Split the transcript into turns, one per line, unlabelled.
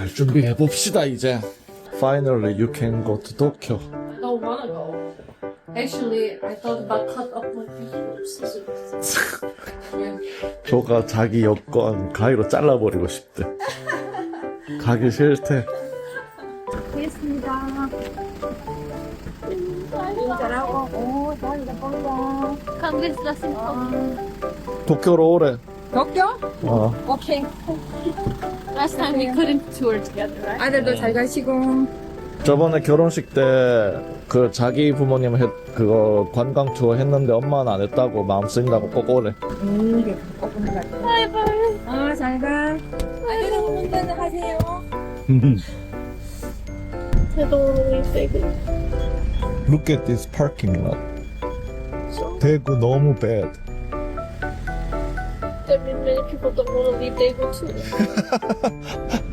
갈 준비해 봅시다 이제. Finally you can go to Tokyo.
I don't wanna go. Actually, I thought about cut off my fingers. Yeah.
조가 자기 여권 가위로 잘라버리고 싶대. 가기 싫대.
됐습니다. 잘하고, 오, 잘한다, 뽕뽕.
Congratulations.
도쿄로 오래.
도쿄?
어.
오케이.
Last time we couldn't tour together, right?
아들도 잘 가시고.
저번에 결혼식 때 그 자기 부모님 그거 관광 투어 했는데 엄마는 안 했다고 마음 쓰인다고 꼭 오래.
이게 오픈 것 같아.
Bye-bye.
잘 가. 아들은 운전을 하세요.
Look at this parking lot. 대구 너무 bad.
That means many people don't want to leave Daegu too.